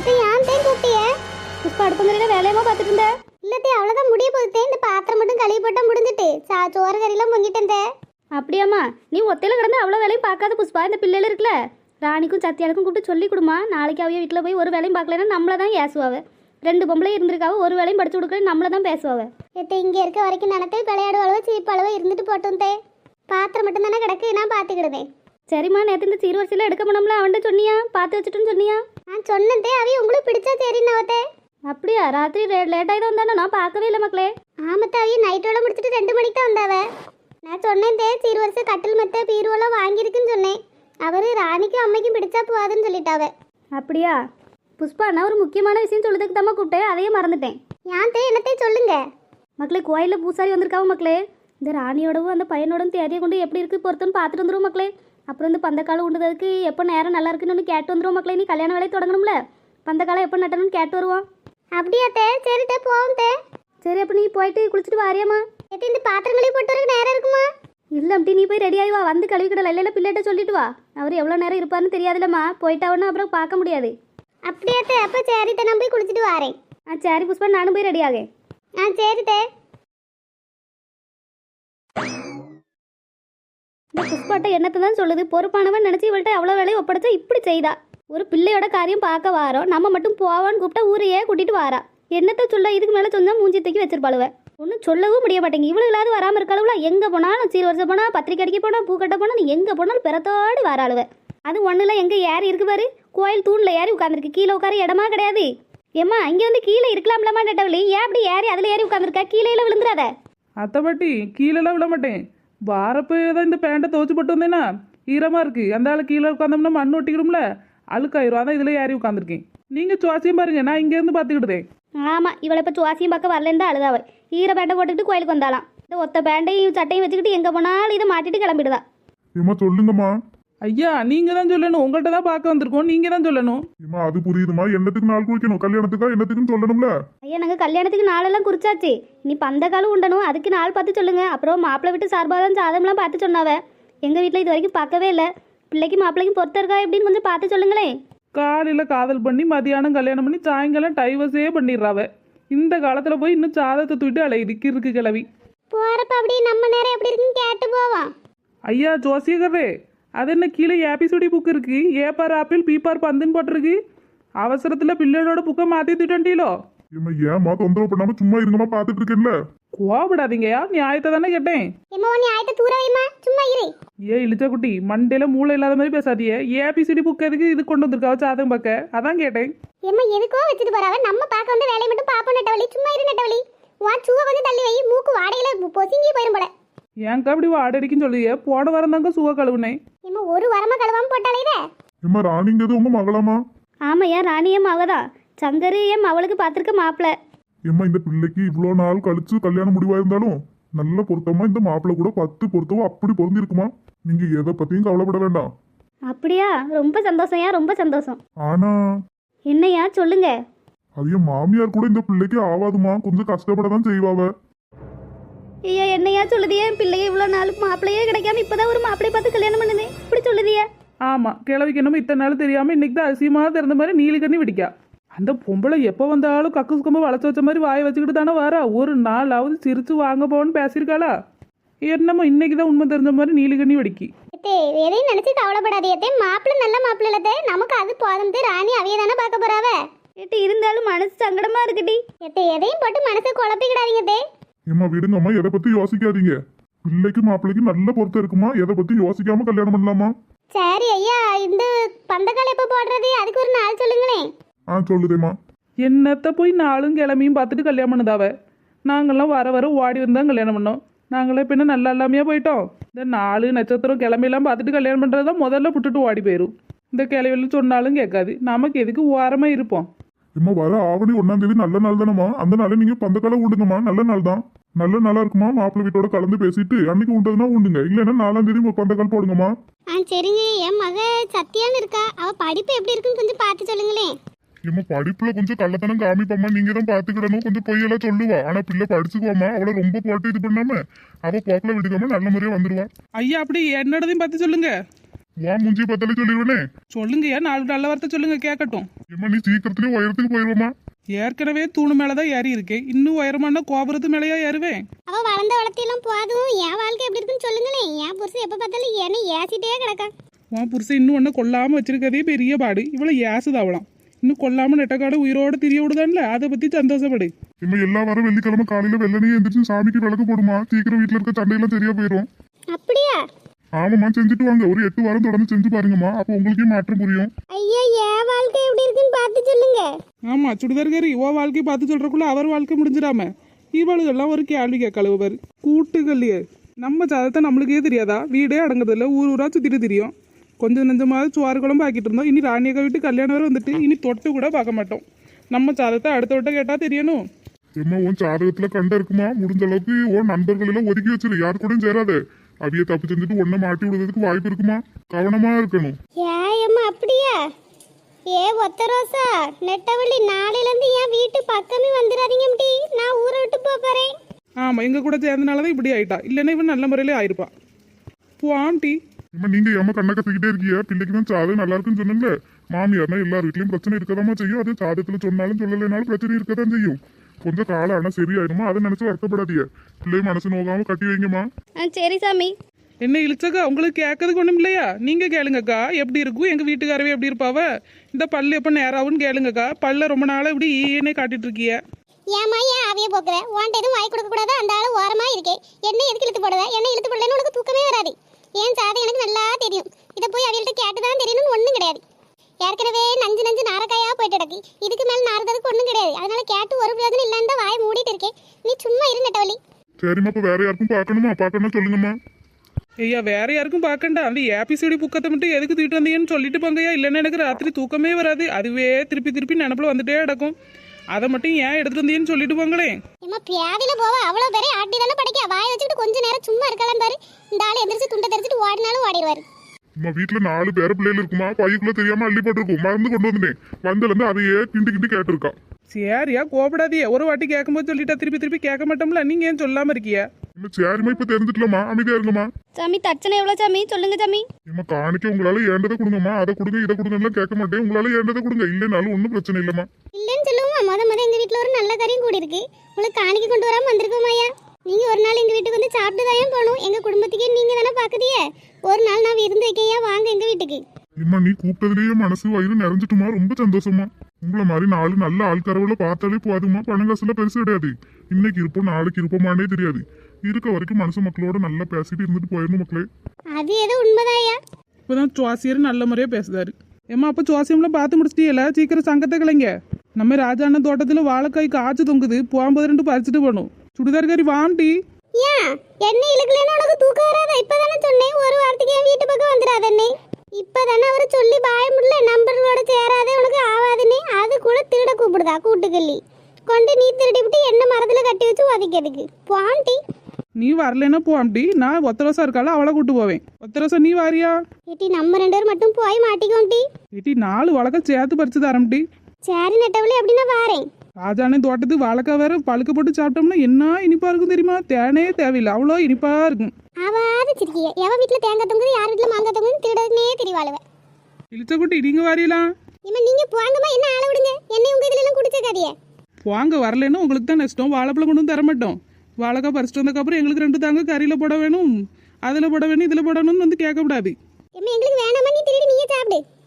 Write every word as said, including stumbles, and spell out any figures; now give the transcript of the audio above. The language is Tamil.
எத்தை ஏன் தேன் கூப்பிட்டிய? புஷ்பா அடுப்பங்கரையில வேலையமா பார்த்துட்டு இருந்த? இல்லத்தே அவ்வளோதான் முடிய போகுது. இந்த பாத்திரம் மட்டும் கழுவி போட்டா முடிஞ்சிட்டு சா சோறு கறியெல்லாம் பொங்கிட்டேன். அப்படியாம்மா, நீ ஒத்தையில கிடந்து அவ்வளோ வேலையும் பார்க்காத புஷ்பா. இந்த பிள்ளைகள் இருக்குல்ல, ராணிக்கும் சத்தியாளுக்கும் கூப்பிட்டு சொல்லி கொடுமா. நாளைக்கு அவைய வீட்டில் போய் ஒரு வேலையும் பார்க்கலன்னா நம்மளை தான் ஏசுவாவ. ரெண்டு பொம்பளை இருந்திருக்காவ, ஒரு வேலையும் படிச்சு கொடுக்கல நம்மளை தான் பேசுவாவ. எத்தை இங்கே இருக்க வரைக்கும் நினைத்து விளையாடு அளவு சீப்பு அளவு இருந்துட்டு போட்டும் தே. பாத்திரம் மட்டும் தானே கிடக்கு, நான் பார்த்துக்கிடுதேன். சரிம்மா, நேற்று இந்த சீர்வரிசையில் எடுக்க முடியும்ல, அவன்கிட்ட சொன்னியா? பார்த்து வச்சுட்டுன்னு சொன்னியா? நான் சொன்னதே அவைய உங்களுக்கு பிடிச்சா சரின்னாவத்தே. அப்படியா? ராத்திரி லேட்டாகி தான் வந்தானே, நான் பார்க்கவே இல்லை மக்களே. ஆமத்த அவைய நைட்டோட முடிச்சுட்டு ரெண்டு மணிக்கு தான் வந்தாவ. நான் சொன்னேன் தே சீர் வருஷம் கட்டில் மெத்த பீரோலாம் வாங்கியிருக்குன்னு சொன்னேன். அவரு ராணிக்கும் அம்மைக்கும் பிடிச்சா போகாதுன்னு சொல்லிட்டாவ. அப்படியா புஷ்பா, நான் ஒரு முக்கியமான விஷயம் சொல்லுறதுக்கு தான் கூப்பிட்டேன், அதையே மறந்துட்டேன். ஏன் தே என்னத்தே சொல்லுங்க மக்களே. கோயிலில் பூசாரி வந்திருக்காவும் மக்களே. இந்த ராணியோடவும் அந்த பையனோடவும் தேதியை கொண்டு எப்படி இருக்குது பொறுத்துன்னு பார்த்துட்டு வந்துடும் மக்களே. அப்புறம் இந்த பந்தக்காலம் உண்டுறதுக்கு எப்போ நேரம் நல்லா இருக்குன்னு ஒன்று கேட்டு வந்துடும் மக்களே. நீ கல்யாண வேலையை தொடங்கணும்ல, பந்தக்காலம் எப்போ நட்டணும்னு கேட்டு வருவான். அப்படியா தே? சரி தே போவோம் தே. சரி, அப்போ நீ போயிட்டு குளிச்சுட்டு வாரியாம்மா? எத்தி இந்த பாத்திரங்களே போட்டு வரக்கு நேரம் இருக்குமா? இல்லை அப்படி நீ போய் ரெடி ஆகி வா. வந்து கழுவிக்கிடல இல்லை பிள்ளைகிட்ட சொல்லிட்டு வா. அவர் எவ்வளோ நேரம் இருப்பாருன்னு தெரியாதுல்லம்மா. போயிட்டாவன்னா அப்புறம் பார்க்க முடியாது. அப்படியா தே? அப்போ சரி தே, நான் போய் குளிச்சுட்டு வரேன். ஆ சரி புஷ்பா, நானும் போய் ரெடி ஆகேன். ஆ சரி தே. இந்த புஷ்பாட்ட என்னத்தை தான் சொல்லுது, பொறுப்பானவன் நினச்சி இவள்கிட்ட அவ்வளோ வேலையை ஒப்படைச்சா இப்படி செய்தா. ஒரு பிள்ளையோட காரியம் பார்க்க வாரோம், நம்ம மட்டும் போவான்னு கூப்பிட்டா ஊரையே கூட்டிட்டு வாரா. என்னத்தை சொல்ல, இதுக்கு மேலே சொன்னா மூஞ்சி தூக்கி வச்சிருப்பாளுவ. ஒன்றும் சொல்லவும் முடிய மாட்டேங்க. இவளுகளாவது வராமல் இருக்காளுவா? எங்கே போனாலும் சீர் வருஷம் போனால், பத்திரிக்கை அடிக்க போனால், பூ கட்ட போனால், நீ எங்கே போனாலும் பிறத்தோடு வராளுவ. அது ஒன்றுல எங்கே ஏறி இருக்கு பாரு, கோயில் தூணில் ஏறி உட்காந்துருக்கு. கீழே உட்கார இடமா கிடையாது. ஏம்மா இங்கே வந்து கீழே இருக்கலாம்லமா நட்டவளி, ஏன் அப்படி ஏறி அதில் ஏறி உட்காந்துருக்கா? கீழே விழுந்துடாத. அத்தை பாட்டி, கீழெல்லாம் விட மாட்டேன். வாரப்போ தான் இந்த பேண்ட்டை துவச்சி போட்டு வந்தேன்னா ஈரமாக இருக்குது. அந்த ஆள் கீழே உட்காந்தோம்னா மண் ஒட்டிக்கிடும்ல, அழுக்காயிரும். அதான் இதில் ஏறி உட்காந்துருக்கேன். நீங்கள் சுவாசியம் பாருங்க, நான் இங்கேருந்து பார்த்துக்கிட்டேன். ஆமாம், இவளை இப்போ சுவாசியம் பார்க்க வரலன்னு தான் அழுதாவ. ஈர பேண்டை போட்டுக்கிட்டு கோயிலுக்கு வந்தாலாம். இந்த ஒத்த பேண்டையும் சட்டையும் வச்சுக்கிட்டு எங்கே போனாலும் இதை மாட்டிட்டு கிளம்பிடுதா. ஏமா சொல்லுங்கம்மா. ஐயா நீங்கள் தான் சொல்லணும், உங்கள்கிட்ட தான் பார்க்க வந்திருக்கோம், நீங்கள் தான் சொல்லணும். ஏமா அது புரியுதுமா, என்னத்துக்கு நாள் குளிக்கணும்? கல்யாணத்துக்கா என்னத்துக்குன்னு சொல்லணும்ல. ஐயா நாங்கள் கல்யாணத்துக்கு நாளெல்லாம் குறிச்சாச்சு. நீ பந்த காலம் உண்டணும், அதுக்கு நாள் பார்த்து சொல்லுங்க. அப்புறம் மாப்பிள்ளை விட்டு சார்பாக தான் சாதம்லாம் பார்த்து சொன்னாவ. எங்கள் வீட்டில் இது வரைக்கும் பார்க்கவே இல்லை. பிள்ளைக்கு மாப்பிள்ளைக்கும் பொறுத்த இருக்கா எப்படின்னு கொஞ்சம் பார்த்து சொல்லுங்களேன். காலையில் காதல் பண்ணி மதியானம் கல்யாணம் பண்ணி சாயங்காலம் டைவர்ஸே பண்ணிடுறாவ. இந்த காலத்தில் போய் இன்னும் சாதத்தை தூக்கிட்டு அலையுது கிறுக்கு கிளவி. போகிறப்ப அப்படியே நம்ம நேரம் எப்படி இருக்குன்னு கேட்டு போவோம். ஐயா ஜோசியகரே, அது என்ன கீழே ஏபிசுடி புக் இருக்கு, ஏப்பார் ஆப்பிள் பீப்பார் பந்துன்னு போட்டிருக்கு. அவசரத்தில் பிள்ளைகளோட புக்கை மாற்றி தூட்டீங்களோ? ஏமா ஏமா தொந்தரவு பண்ணாம சும்மா இருங்கம்மா, பார்த்துட்டு இருக்கேன்ல. கோவப்படாதீங்கயா, நியாயத்தை தானே கேட்டேன். ஏமா நீ ஆயத்தை தூர வைமா, சும்மா இரு. ஏ இழிச்ச குட்டி, மண்டையில மூளை இல்லாத மாதிரி பேசாதியே. ஏபிசிடி புக் எதுக்கு இது கொண்டு வந்திருக்காவ சாதம் பார்க்க? அதான் கேட்டேன். ஏமா எதுக்கோ வச்சுட்டு போறாவ, நம்ம பார்க்க வந்து வேலையை மட்டும் பாப்போம். நட்டவழி சும்மா இரு நட்டவழி. உன் சூவை வந்து தள்ளி வை, மூக்கு வாடையில பொசிங்கி போயிரும் போல. ஏன்க்கா அப்படி வாடடிக்குன்னு சொல்லுவியே? போன வாரம் தாங்க சுவ கழுவுனேன். ஏமா ஒரு வாரமா கழுவாம போட்டாலே இத. ஏமா ராணிங்கிறது உங்க மகளாமா? ஆமாம், ஏன் ராணி என் மகதான். சங்கரு என் அவளுக்கு பார்த்துருக்க மாப்பிள்ளை. ஏமா இந்த பிள்ளைக்கு இவ்வளோ நாள் கழிச்சு கல்யாணம் முடிவாயிருந்தாலும் நல்ல பொருத்தமா இந்த மாப்பிள்ளை கூட பத்து பொருத்தமா அப்படி பொருந்திருக்குமா. நீங்க எதை பத்தியும் கவலைப்பட வேண்டாம். அப்படியா? ரொம்ப சந்தோஷம்யா, ரொம்ப சந்தோஷம். ஆனா என்னையா சொல்லுங்க. அதைய மாமியார் கூட இந்த பிள்ளைக்கு ஆவாதுமா, கொஞ்சம் கஷ்டப்படதான் செய்வாவ. ஐயா என்னையா சொல்லுதியே? என் பிள்ளைய இவ்வளோ நாளுக்கு மாப்பிள்ளையே கிடைக்காம இப்போதான் ஒரு மாப்பிள்ளையை பார்த்து கல்யாணம் பண்ணுது, இப்படி சொல்லுதியா? ஆமாம், கிழவிக்கு என்னமோ இத்தனை நாள் தெரியாமல் இன்னைக்கு தான் அசியமாக திறந்த மாதிரி நீலி கண்ணி பிடிக்கா. அந்த பொம்பளை எப்போ வந்தாலும் கக்கு சுக்கமாக வளைச்சு வச்ச மாதிரி வாயை வச்சுக்கிட்டு தானே வரா. ஒரு நாளாவது சிரிச்சு வாங்க போன்னு பேசியிருக்காளா? என்னமோ இன்னைக்கு தான் உண்மை தெரிஞ்ச மாதிரி நீலி கண்ணி வெடிக்கி. எதையும் நினைச்சு கவலைப்படாதே. மாப்பிள்ளை நல்ல மாப்பிள்ளை இல்லதே, நமக்கு அது போதும். ராணி அவைய தானே பார்க்க போறாவ. ஏட்டி இருந்தாலும் மனசு சங்கடமா இருக்குடி. எதையும் போட்டு மனசை குழப்பிக்கிடாதீங்க. ஏமா விடுங்கம்மா, எதை பத்தி யோசிக்காதீங்க. பிள்ளைக்கு மாப்பிள்ளைக்கு நல்ல பொருத்தம் இருக்குமா, எதை பத்தி யோசிக்காம கல்யாணம் பண்ணலாமா? சரி ஐயா, இந்த பந்தக்கால் எப்ப போடுறது, அதுக்கு ஒரு நாள் சொல்லுங்களேன். ஆ சொல்லுதேம்மா. என்னத்த போய் நாளும் கிளம்பியும் பார்த்துட்டு கல்யாணம் பண்ணுதாவ. நாங்கள்லாம் வர வர ஓடி வந்தான் கல்யாணம் பண்ணோம். நாங்களே பின்ன நல்லா இல்லாமையா போயிட்டோம். இந்த நாலு நட்சத்திரம் கிளம்பியெல்லாம் பார்த்துட்டு கல்யாணம் பண்ணுறது தான் முதல்ல புட்டுட்டு ஓடி போயிடும். இந்த கிளவியில் சொன்னாலும் கேட்காது. நமக்கு எதுக்கு ஓரமாக இருப்போம். ஏமா வர ஆவணி ஒன்னாம் தேதி நல்ல நாள் தானம்மா, அந்த நாளை நீங்க பந்தக்கால உண்டுங்கம்மா. நல்ல நாள் தான், நல்ல நாளா இருக்குமா. மாப்பிள்ளை வீட்டோட கலந்து பேசிட்டு அன்னைக்கு உண்டதுன்னா உண்டுங்க, இல்லைன்னா நாலாம் தேதி பந்தக்கால் போடுங்கம்மா. ஆ சரிங்க. என் மக சத்தியான்னு இருக்கா, அவ படிப்பு எப்படி இருக்குன்னு கொஞ்சம் பார்த்து சொல்லுங்களேன். ஏமா படிப்புல கொஞ்சம் கள்ளத்தனம் காமிப்பம்மா, நீங்க தான் பாத்துக்கிடணும். கொஞ்சம் பொய்யெல்லாம் சொல்லுவா, ஆனா பிள்ளை படிச்சுக்குவாமா. அவளை ரொம்ப போட்டு இது பண்ணாம அவ போக்கில விடுக்காம நல்ல முறையா வந்துருவா. ஐயா அப்படி என்னோடதையும் பார்த்து சொல்லுங்க. வா மூஞ்சி பத்தாலே சொல்லிடுவேனே. சொல்லுங்கய்யா, நாலு நல்ல வார்த்தை சொல்லுங்க கேட்கட்டும். ஏம்மா நீ சீக்கிரத்திலேயே உயரத்துக்கு போயிருவோமா? ஏற்கனவே தூணு மேலதான் ஏறி இருக்கேன், இன்னும் உயரமான கோபுரத்து மேலேயா ஏறுவேன்? அவ வளர்ந்த வளர்த்தியெல்லாம் போதும், என் வாழ்க்கை எப்படி இருக்குன்னு சொல்லுங்களேன். என் புருஷன் எப்ப பார்த்தாலும் என்ன ஏசிட்டே கிடக்கா. உன் புருஷன் இன்னும் ஒன்னும் கொல்லாம வச்சிருக்கதே பெரிய பாடு, இவ்வளவு ஏசுதாவலாம். இன்னும் கொல்லாம நெட்டக்காடு உயிரோட திரிய விடுதான்ல, அதை பத்தி சந்தோஷப்படு. இம்மா எல்லா வாரம் வெள்ளிக்கிழமை காலையில வெள்ளனையே எந்திரிச்சு சாமிக்கு விளக்கு போடுமா, சீக்கிரம் வீட்டுல இருக்க சண்டையெல்லாம் சரியா போயிடும். அப்படியா? ஆமாம்மா செஞ்சுட்டு வாங்க, ஒரு எட்டு வாரம் தொடர்ந்து செஞ்சு பாருங்கம்மா, அப்போ உங்களுக்கே மாற்றம் புரியும். ஐயா என் வாழ்க்கை எப்படி இருக்குன்னு பார்த்து சொல்லுங்க. ஆமா சுடிதார்காரி, ஓ வாழ்க்கையை பார்த்து சொல்றக்குள்ள அவர் வாழ்க்கை முடிஞ்சிடாம இவளுகெல்லாம் ஒரு கேள்வி கேட்கலவர் கூட்டுகள்லையே. நம்ம சாதத்தை நம்மளுக்கே தெரியாதா? வீடே அடங்குறதில்ல, ஊர் ஊரா சுத்திட்டு தெரியும். கொஞ்சம் நெஞ்சமாவது சுவாறு குழம்பு ஆக்கிட்டு இருந்தோம், இனி ராணியக்கா வீட்டு கல்யாணம் வரை வந்துட்டு இனி தொட்டு கூட பார்க்க மாட்டோம். நம்ம சாதத்தை அடுத்த விட்ட கேட்டா தெரியணும். ஏம்மா உன் ஜாதகத்துல கண்ட இருக்குமா, முடிஞ்ச அளவுக்கு உன் நண்பர்கள் எல்லாம் ஒதுக்கி வச்சிரு, யாரு கூடயும் சேராத. அவிய தப்பு செஞ்சுட்டு ஒன்ன மாட்டி விடுறதுக்கு வாய்ப்பு இருக்குமா, கவனமா இருக்கணும். ஏயம்மா அப்படியா? ஏ ஒத்த ரோசா நெட்டவள்ளி, நாளையில இருந்து என் வீட்டு பக்கமே வந்துடாதீங்க முடி, நான் ஊரை விட்டு போறேன். ஆமா எங்க கூட சேர்ந்தனாலதான் இப்படி ஆயிட்டா, இல்லைன்னா இவன் நல்ல முறையிலே ஆயிருப்பா. போம்டி. ஏம்மா நீங்க ஏமா கண்ணை கத்திக்கிட்டே இருக்கியா? பிள்ளைக்கு தான் ஜாதகம் நல்லா இருக்குன்னு சொன்னேன்ல, மாமியார்னா எல்லார் வீட்லயும் பிரச்சனை இருக்கதாமா செய்யும். அது ஜாதகத்துல சொன்னாலும் சொல்லலைனாலும் பிரச்சனை இருக்கதான் செய்யும். கொஞ்சம் காலம் ஆனா சரியாயிருமா, அதை நினைச்சு வருத்தப்படாதீங்க. பிள்ளை மனசு நோகாம கட்டி வைங்கம்மா. ஆ சரி சாமி. என்ன இழிச்சக்கா, உங்களுக்கு கேட்கறதுக்கு ஒண்ணும் இல்லையா? நீங்க கேளுங்கக்கா, எப்படி இருக்கும் எங்க வீட்டுக்காரவே எப்படி இருப்பாவ, இந்த பல்லு எப்ப நேராகும்னு கேளுங்கக்கா. பல்ல ரொம்ப நாளா இப்படி ஈனே காட்டிட்டு இருக்கிய. ஏமா ஏன் அவைய போக்குற? உன்ட்ட எதுவும் வாய் கொடுக்க கூடாது, அந்த ஆளு ஓரமா இருக்கே. என்ன எதுக்கு இழுத்து போடுவ? என்ன இழுத்து போடலன்னு உனக்கு தூக்கமே வராது. ஏன் சாதை எனக்கு நல்லா தெரியும், இதை போய் அவையிட்ட கேட்டுதான் தெரியணும்னு ஒண்ணும் கிடையாது. ஏற்கனவே நஞ்சு நஞ்சு நாரக்காயா போயிட்டு கிடக்கு, இதுக்கு மேல நாரதற்கு ஒண்ணும் கிடையாது. அதனால கேட்டு ஒரு பிரயோஜனம் இல்லைன்னு தான் வாய் மூடிட்டு இருக்கேன். நீ சும்மா இரு நெட்டவள்ளி. சரிம்மா, இப்ப வேற யாருக்கும் பார்க்கணுமா? பார்க்கணும்னா சொல்லுங்கம்மா. ஐயா வேற யாருக்கும் பார்க்கண்டா, அந்த ஏபிசிடி புக்கத்தை மட்டும் எதுக்கு தூக்கிட்டு வந்தீங்கன்னு சொல்லிட்டு போங்கய்யா. இல்லைன்னா எனக்கு ராத்திரி தூக்கமே வராது, அதுவே திருப்பி திருப்பி நினப்புல வந்துட்டே கிடக்கும். அதை மட்டும் ஏன் எடுத்துட்டு வந்தீங்கன்னு சொல்லிட்டு போங்களேன். ஏமா பியாதில போவ, அவ்வளவு பேரே ஆட்டி தானே படிக்க, வாய் வச்சுக்கிட்டு கொஞ்ச நேரம் சும்மா இருக்கலாம் பாரு. இந்த ஆளு எந்திரிச்சு துண்டை தெரிச்சிட்டு ஓடினாலும் ஓடிடுவாரு. அம்மா வீட்டுல நாலு பேர பிள்ளைகள் இருக்குமா, பையக்குள்ள தெரியாம அள்ளி போட்டிருக்கும், மருந்து கொண்டு வந்துட்டேன். வந்ததுல இருந்து அதையே கிண்டி கிண்டி கேட்டிருக்கா. சரியா கோபப்படாதியே, ஒரு வாட்டி கேட்கும்போது சொல்லிட்டா திருப்பி திருப்பி கேட்க மாட்டோம்ல, நீங்க ஏன் சொல்லாம இருக்கிய? இன்னும் சரிம்மா, இப்ப தெரிஞ்சுக்கலாமா, அமைதியா இருங்கம்மா. சாமி தட்சணை எவ்வளோ சாமி சொல்லுங்க சாமி. ஏம்மா காணிக்க உங்களால ஏண்டதை கொடுங்கம்மா, அதை கொடுங்க இதை கொடுங்கலாம் கேட்க மாட்டேன். உங்களால ஏண்டதை கொடுங்க, இல்லைனாலும் ஒன்றும் பிரச்சனை இல்லைம்மா. இல்லன்னு சொல்லுவோமா, முத முத எங்க வீட்டுல ஒரு நல்ல காரியம் கூடி இருக்கு. உங்களுக்கு காணிக்க கொண்டு வராம வந்திருக்கோமாயா. நீங்க ஒரு நாள் எங்க வீட்டுக்கு வந்து சாப்பிட்டு தான் போகணும். எங்க குடும்பத்துக்கே நீங்க தானே பாக்குதியே. ஒரு நாள் நான் விருந்து வைக்கையா, வாங்க எங்க வீட்டுக்கு. ஏம்மா நீ கூப்பிட்டதுலயே மனசு வயிறு நிறைஞ்சிட்டுமா, ரொம்ப சந்தோஷமா. உங்களை மாதிரி நாலு நல்ல ஆள்காரவுல பார்த்தாலே போதுமா, பணம் காசுல பெருசு கிடையாது. இன்னைக்கு இருப்போம் நாளைக்கு இருப்போமானே தெரியாது. இருக்க வரைக்கும் மனசு மக்களோட நல்லா பேசிட்டு இருந்துட்டு போயிடணும் மக்களே. அது ஏதோ உண்மைதாயா. இப்பதான் சுவாசியர் நல்ல முறையா பேசுதாரு. ஏமா அப்ப சுவாசியம்லாம் பார்த்து முடிச்சிட்டீல, சீக்கிரம் சங்கத்தை கிளைங்க. நம்ம ராஜாண்ண தோட்டத்துல வாழைக்காய் காய்ச்சி தொங்குது, போகும்போது ரெண்டு பறிச்சுட்டு போகணும். சுடிதார்காரி வாண்டி. ஏன் என்ன இழுக்கலன்னு உனக்கு தூக்கம் வராதா? இப்பதானே சொன்னேன், ஒரு வாரத்துக்கு என் வீட்டு பக்கம் வந்துடாதே. இப்பதானே அவரு சொல்லி பாய முடியல, நம்பர்களோட சேராதே உனக்கு ஆவாதுன்னு. அது கூட திருட கூப்பிடுதா கூட்டுக்கல்லி கொண்டு நீ திருடி விட்டு என்ன மரத்துல கட்டி வச்சு உதைக்கிறதுக்கு பாண்டி. நீ வரலன்னா போம்டி, நான் ஒத்த ரோசா இருக்கால அவளை கூட்டு போவேன். ஒத்த ரோசா நீ வாரியா? ஏட்டி நம்ம ரெண்டு பேரும் மட்டும் போய் மாட்டிக்கோண்டி. ஏட்டி நாலு வழக்க சேர்த்து பறிச்சு தரம்டி. சரி நெட்டவளி, அப்படின்னா வாரேன். ராஜானே தோட்டத்துக்கு வாழைக்காய் வேற பழுக்க போட்டு சாப்பிட்டோம்னா என்ன இனிப்பா இருக்கும் தெரியுமா? தேனே தேவையில்லை, அவ்வளோ இனிப்பா இருக்கும். அவாது சிரிக்கிய, எவ வீட்டுல தேங்காய் தொங்குது, யார் வீட்டுல மாங்காய் தொங்குது திருடனே தெரியவாளுவ. இழிச்சக்குட்டி நீங்க வாரியலாம். இம்மா நீங்க போங்கம்மா, என்ன ஆள விடுங்க. என்னை உங்க இதுல எல்லாம் குடிச்சக்காதிய. வாங்க, வரலன்னா உங்களுக்கு தான் நஷ்டம். வாழைப்பழம் கொண்டு வந்து தர மாட்டோம். வாழைக்காய் பறிச்சுட்டு வந்ததுக்கப்புறம் எங்களுக்கு ரெண்டு தாங்க கறியில போட வேணும், அதுல போட வேணும், இதுல போடணும்னு வந்து கேட்கக்கூடாது. எம்மா எங்களுக்கு வேணாமா, நீ திருடி நீயே சாப்பிடு.